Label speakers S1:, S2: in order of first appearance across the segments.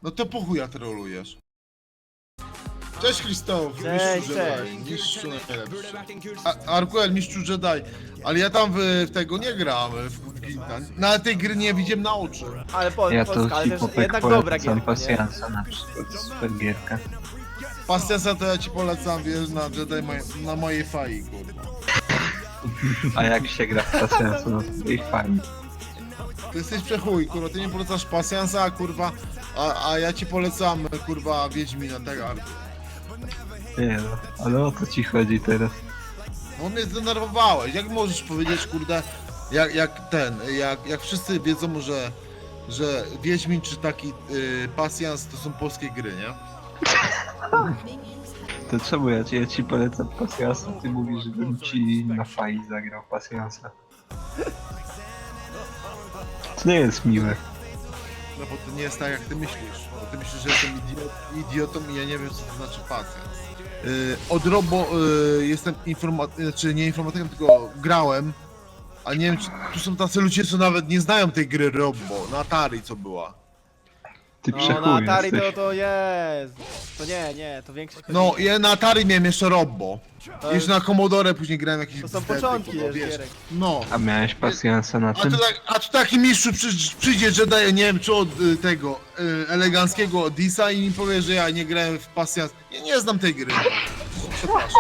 S1: No to po chuja trolujesz. Cześć Krzysztof,
S2: Cześć,
S1: mistrzu
S2: cześć.
S1: Jedi, mistrzu najlepszy. Arkuel, mistrzu Jedi, ale ja tam w tego nie gram, w Gwinta. Na tej gry nie widziałem na oczy.
S2: Ale
S3: Ja to
S2: Polska, ale też
S3: hipopek
S2: jednak dobra
S3: polecam
S2: gierka, nie?
S3: pasjansa na przykład, super gierka.
S1: Pasjansa to ja ci polecam, wiesz, na Jedi, na mojej fai, kurwa.
S3: A jak się gra w pasjansa, no to i fajnie.
S1: Ty jesteś przechuj, kurwa, ty nie polecasz pasjansa, kurwa, a ja ci polecam, kurwa, Wiedźmina, tak,
S3: Nie no, ale o co ci chodzi teraz?
S1: No mnie zdenerwowałeś, jak możesz powiedzieć, kurde, jak wszyscy wiedzą, że Wiedźmin czy taki pasjans to są polskie gry, nie?
S3: To czemu ja ci polecam pasjansa, ty mówisz, żebym ci na fai zagrał pasjansa. To nie jest miłe.
S1: No bo to nie jest tak, jak ty myślisz. Bo ty myślisz, że jestem idiotą i ja nie wiem, co to znaczy pasjans. Od Robo jestem znaczy nie informatykiem, tylko grałem, a nie wiem, czy tu są tacy ludzie, co nawet nie znają tej gry Robo, na Atari, co była.
S3: Ty
S2: No
S3: przechuj
S2: na Atari
S3: jesteś.
S2: to jest. To nie, to większość...
S1: No, ja na Atari miałem jeszcze Robo.
S2: To
S1: Jeszcze na Commodore później grałem jakieś
S2: To są
S1: bzdety,
S2: początki,
S1: kurwa,
S2: wiesz,
S1: wiesz.
S2: gierek.
S1: No.
S3: A miałeś pasjansa na tym?
S1: A tu taki mistrzu przyjdzie, że daje, nie wiem, czy od tego eleganckiego Odisa i mi powie, że ja nie grałem w pasjans. Ja nie znam tej gry. Przepraszam.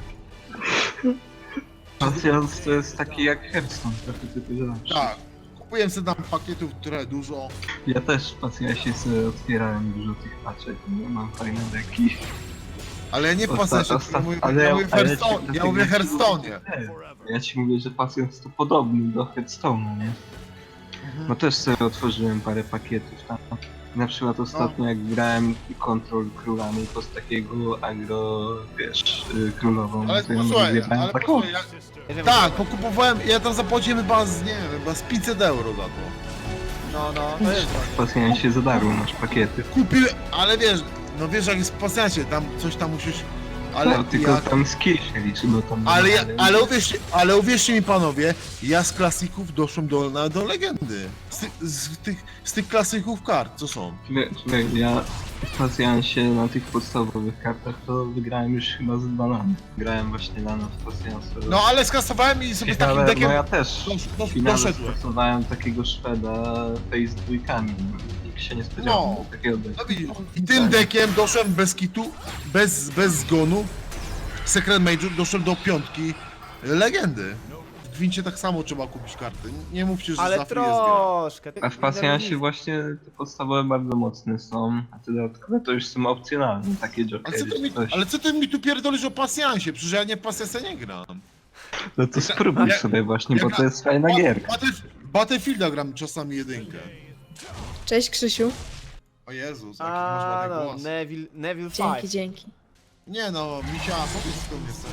S3: Pasjans to jest taki jak Hearthstone, trochę tylko lepszy.
S1: Tak. Kupiłem sobie tam pakietów trochę dużo.
S3: Ja też w pasjansie sobie otwierałem dużo tych paczek, no, mam fajne deki.
S1: Ale ja nie w pasjansie,
S3: Osta-
S1: ja mówię,
S3: ale
S1: ja
S3: ja-
S1: mówię w
S3: ale ja
S1: Hearthstone.
S3: ci-
S1: Ja mówię w Hearthstone'ie.
S3: Nie, ja ci mówię, że pasjans to podobny do Hearthstone'a, nie? No też sobie otworzyłem parę pakietów tam. Na przykład ostatnio jak grałem Control królami z takiego agro, wiesz, królową,
S1: Ale
S3: to ja
S1: posłuchaj,
S3: wybrałem
S1: ale
S3: taką.
S1: posłuchaj, tak, pokupowałem, ja tam zapłaciłem chyba z, nie wiem, chyba z 500 euro za to.
S2: No, to jest.
S3: W pasjansie za darmo masz pakiety.
S1: Kupiłem, ale wiesz, no wiesz jak jest w pasjansie, tam coś tam musisz, ale
S3: No, tylko
S1: ja...
S3: tam skill się liczy, bo tam...
S1: Ale uwierzcie mi panowie, ja z klasików doszłem do legendy. Z tych klasyków kart, co są.
S3: Ja w pasjansie na tych podstawowych kartach to wygrałem już chyba z 2 lata. Grałem właśnie lana w pasjansie.
S1: No ale skasowałem i sobie z takim
S3: Ale
S1: dekiem
S3: no ja też
S1: do-
S3: w finale
S1: doszedłem.
S3: stosowałem takiego Szweda face z dwójkami. Nikt się nie spodziewał
S1: No.
S3: takiego deku.
S1: No widzisz, i tym dekiem doszłem bez kitu, bez zgonu. Secret Major doszedłem do 5 legendy. W Gwincie tak samo trzeba kupić karty. Nie mówcie, że
S2: Ale
S1: za free jest gra.
S2: troszkę.
S3: A w pasjansie właśnie te podstawowe bardzo mocne są, a te dodatkowe to już są opcjonalne, takie jokery czy coś.
S1: Ale co ty mi tu pierdolisz o pasjansie? Przecież ja nie w pasjansie nie gram.
S3: No to spróbuj
S1: Ja-
S3: sobie właśnie, bo
S1: ja-
S3: to jest fajna gierka.
S1: Battlefielda gram czasami jedynkę.
S4: Cześć Krzysiu.
S1: O Jezus, jaki masz
S2: A
S1: ładny
S2: no,
S1: głos.
S2: Neville
S4: Dzięki,
S2: 5.
S4: dzięki.
S1: Nie no, misia, powiedz skąd jesteś.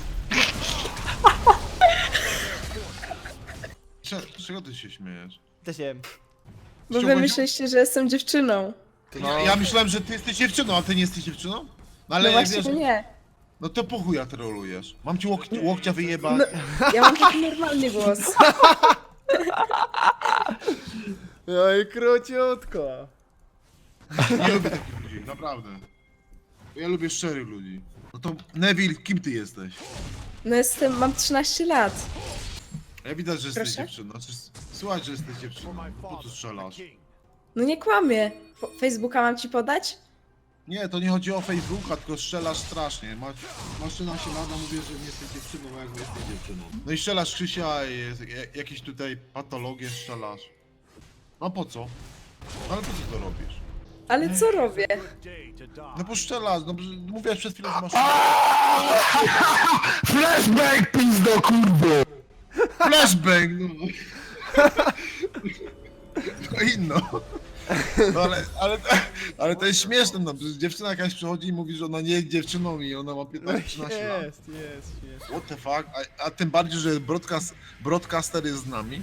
S1: Z czego ty się śmiejesz?
S2: Też wiem.
S4: Bo
S1: Czemu
S4: wy
S1: nie-
S4: myśleliście, że jestem dziewczyną.
S1: Ja myślałem, że ty jesteś dziewczyną, a ty nie jesteś dziewczyną? No ale
S4: No właśnie
S1: wiesz,
S4: nie.
S1: no to po chuja trolujesz. Mam ci łokcia wyjebać.
S4: No, ja mam taki normalny głos.
S2: No i króciutko.
S1: Nie lubię takich ludzi, naprawdę. Ja lubię szczerych ludzi. No to Neville, kim ty jesteś?
S4: No mam 13 lat.
S1: Ja widać, że jesteś
S4: Proszę?
S1: dziewczyną. Znaczy, słuchaj, że jesteś dziewczyną. Po co strzelasz?
S4: No nie kłamię. Facebooka mam ci podać?
S1: Nie, to nie chodzi o Facebooka, tylko strzelasz strasznie. Masz 13 lat, a mówię, że nie jesteś dziewczyną, jak nie jesteś dziewczyną. No i strzelasz Krzysia i jakieś tutaj patologie strzelasz. No po co? Ale po co to robisz?
S4: Ale co robię?
S1: No bo strzelasz, no mówiłaś przed chwilą, że masz...
S5: Flashback, pizdo, kurwo!
S1: Flashbang, no. No inno. No ale to jest śmieszne, no przecież dziewczyna jakaś przychodzi i mówi, że ona nie jest dziewczyną i ona ma 15-13 lat.
S2: Jest.
S1: What the fuck? A tym bardziej, że broadcaster jest z nami.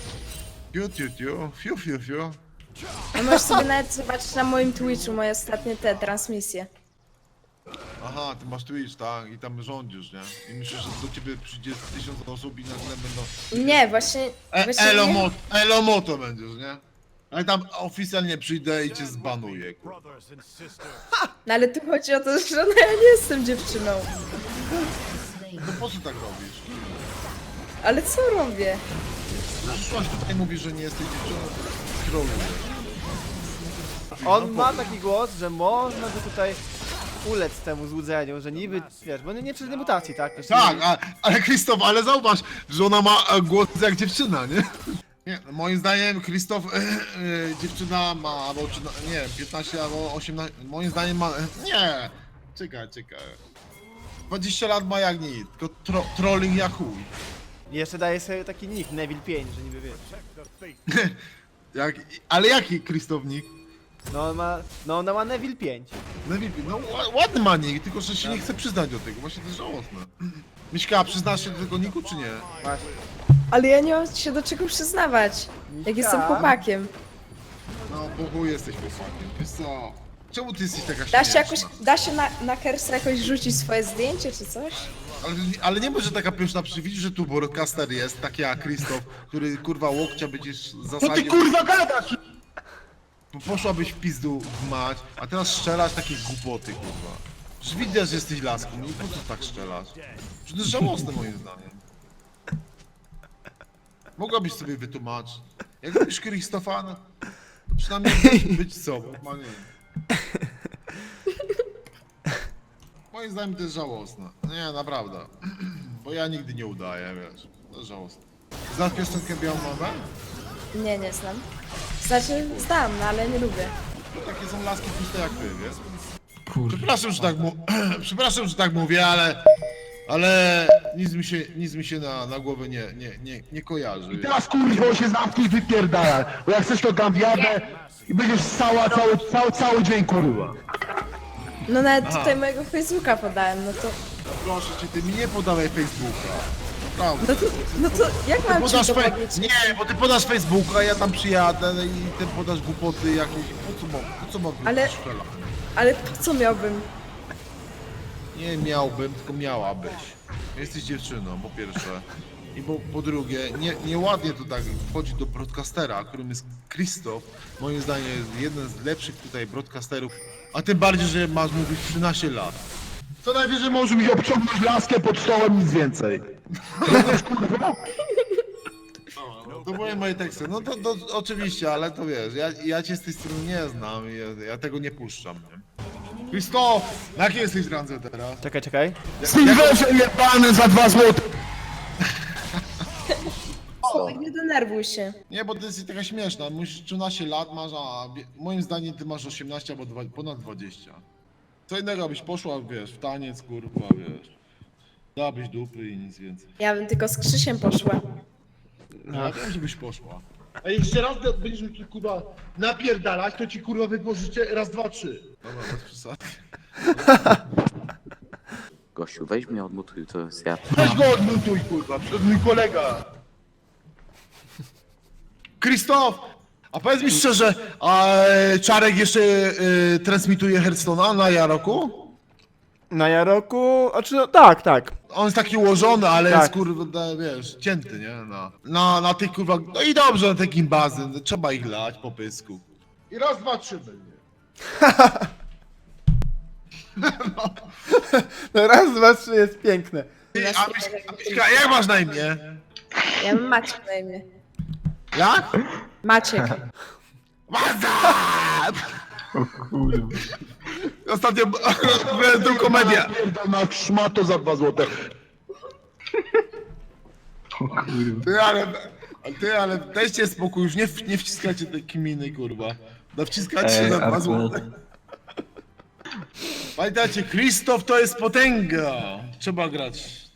S1: Fiu.
S4: No możesz sobie nawet zobaczyć na moim Twitchu moje ostatnie te transmisje.
S1: Aha, ty masz Twitch, tak? I tam rządzisz, nie? I myślisz, że do ciebie przyjdzie 1000 osób i nagle będą...
S4: Nie, właśnie... właśnie nie.
S1: Elomoto będziesz, nie? Ale tam oficjalnie przyjdę i cię zbanuję, kurwa.
S4: No ale tu chodzi o to, że no ja nie jestem dziewczyną.
S1: No po co tak robisz?
S4: Ale co robię?
S1: Przyszłaś tutaj, mówisz, że nie jesteś dziewczyną, to trolujesz.
S2: On ma taki głos, że można by tutaj ulec temu złudzeniu, że niby, wiesz, bo nie przez mutacji, tak? Też
S1: Tak,
S2: nie-
S1: ale Krzysztof, ale zauważ, że ona ma głos jak dziewczyna, nie? Nie, moim zdaniem Krzysztof, dziewczyna ma, albo, nie, 15 albo 18, moim zdaniem ma, nie, czekaj. 20 lat ma jak nic, tylko trolling jak chuj.
S2: Jeszcze daje sobie taki nick, Neville 5, że niby wiesz.
S1: Ale jaki Krzysztof nick?
S2: No ona ma Neville 5.
S1: No ładny ma nick, tylko że się nie chce przyznać do tego, właśnie to jest żałosne. Miśka, przyznasz się do tego nicku, czy nie?
S2: Właśnie.
S4: Ale ja nie mam się do czego przyznawać. Jak jestem chłopakiem.
S1: No, bo chuj jesteś chłopakiem, wiesz co? Czemu ty jesteś taka
S4: Da się
S1: śmieszna?
S4: jakoś, da się na Kersa jakoś rzucić swoje zdjęcie czy coś?
S1: Ale nie może taka pyszna widzisz, że tu broadcaster jest, taki jak Krzysztof, który kurwa łokcia będziesz
S5: Co ty
S1: zasadził.
S5: kurwa gadasz?
S1: Poszłabyś w pizdu w mać, a teraz strzelasz takie głupoty, kurwa. Przecież widać, że jesteś laską, no i po co tak strzelasz? Przecież to jest żałosne moim zdaniem. Mogłabyś sobie wytłumaczyć. Jak robisz Krzysztofa, no, to przynajmniej być sobą, ma nie. Moim zdaniem to jest żałosne. Nie, naprawdę. Bo ja nigdy nie udaję, wiesz. To jest żałosne. Znasz piosenkę Białą Mamę?
S4: Nie znam. Znaczy, znam, no ale nie lubię.
S1: To takie są laski puste jak ty, wiesz? Przepraszam, że tak przepraszam, że tak mówię, ale nic mi się na głowę nie kojarzy.
S5: I teraz kurwa się zamknij i wypierdalaj. Bo jak chcesz to dam jadę i będziesz cały dzień kurwa.
S4: No nawet tutaj mojego Facebooka podałem, no to...
S1: Proszę cię, ty mi nie podawaj Facebooka. Prawda.
S4: No to jak mam ci
S1: Podasz
S4: to powiedzieć?
S1: Nie, bo ty podasz Facebooka, ja tam przyjadę i ty podasz głupoty jakieś. Po co mam
S4: Ale-
S1: strzela?
S4: Ale po co miałbym?
S1: Nie miałbym, tylko miałabyś. Jesteś dziewczyną, po pierwsze. I po drugie, nieładnie to tak wchodzi do broadcastera, którym jest Krzysztof. Moim zdaniem jest jeden z lepszych tutaj broadcasterów. A tym bardziej, że masz, mówisz, 13 lat.
S5: Co najwyżej możesz mi obciągnąć laskę pod stołem, nic więcej. Rozumiesz kurwa?
S1: To były moje teksty. No to oczywiście, ale to wiesz, ja cię z tej strony nie znam i ja tego nie puszczam, nie? Krzysztof, na jakiej jesteś randze teraz?
S2: Czekaj.
S5: Silverze jebany za 2 złote.
S4: Nie denerwuj się.
S1: Nie, bo ty jesteś taka śmieszna. Musisz 13 lat masz, a moim zdaniem ty masz 18 albo ponad 20. Co innego byś poszła, wiesz, w taniec, kurwa, wiesz. Dałabyś dupy i nic więcej.
S4: Ja bym tylko z Krzysiem poszła.
S1: Ja wiem, żebyś poszła.
S5: A jeszcze raz będziesz mi kurwa napierdalać, to ci kurwa wytworzycie raz, dwa, trzy.
S1: Dobra, bez przesady.
S6: Gościu, weź mnie odmutuj, to jest ja.
S5: Weź go odmutuj kurwa, przed mój kolega.
S1: Krzysztof! A powiedz mi szczerze, a Czarek jeszcze transmituje Hearthstone'a na Jaroku?
S2: Na Jaroku, no tak.
S1: On jest taki ułożony, ale
S2: Tak.
S1: jest kurwa, wiesz, cięty, nie? Na tych kurwa, no i dobrze, na te gimbazy, no, trzeba ich lać po pysku.
S5: I raz, dwa, trzy będzie.
S2: No raz, dwa, trzy jest piękne.
S1: Ty, a Miśka, jak masz na imię?
S4: Ja mam Maciek na imię.
S1: Jak?
S4: Maciek.
S3: Kurwa.
S1: Ostatnio byłem tą komedię.
S5: Pierdolna szmato za 2 złote.
S3: O kurwa.
S1: Ale dajcie spokój, już nie wciskajcie tej kminy, kurwa. Wciskacie się za 2
S3: akurat.
S1: złote. Pamiętajcie, Krzysztof to jest potęga. Trzeba grać.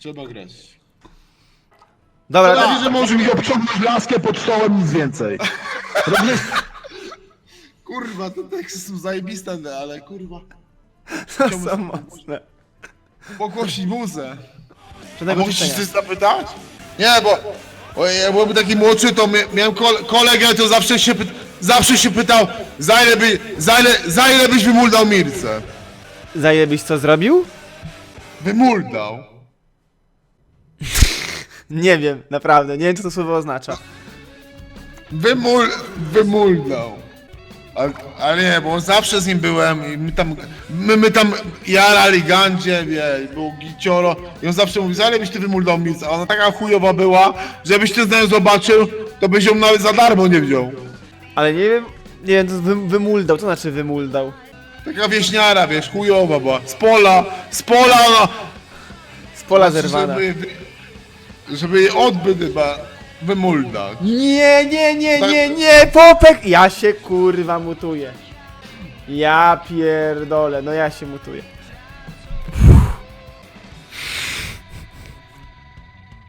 S2: Dobra,
S5: Co najwyżej możesz mi obciągnąć laskę pod stołem, nic więcej. Rozumiesz?
S1: Kurwa, te teksty są zajebiste, ale kurwa.
S2: to są mocne.
S1: Pogłosić muzę. A
S2: Żadnego
S1: mogę się
S2: życzenia.
S1: coś zapytać? Nie, bo ja byłem taki młodszy, to miałem kolegę, to zawsze się pytał, za ile byś wymuldał Mirce?
S2: Za ile byś co zrobił?
S1: Wymuldał.
S2: Nie wiem, naprawdę, nie wiem co to słowo oznacza.
S1: Wymuldał. Ale nie, bo zawsze z nim byłem i my tam jarali gandzie, wie, był gicioro i on zawsze mówi, ale byś ty wymuldał mis, a ona taka chujowa była, że jakbyś ty z nią zobaczył, to byś ją nawet za darmo nie wziął.
S2: Ale nie wiem, to wymuldał, co znaczy wymuldał?
S1: Taka wieśniara, wiesz, chujowa była, z pola ona...
S2: Z pola
S1: Znaczy,
S2: zerwana.
S1: żeby jej odbyt chyba wymuldać.
S2: Nie, Popek! Ja się kurwa mutuję. Ja pierdolę, no ja się mutuję.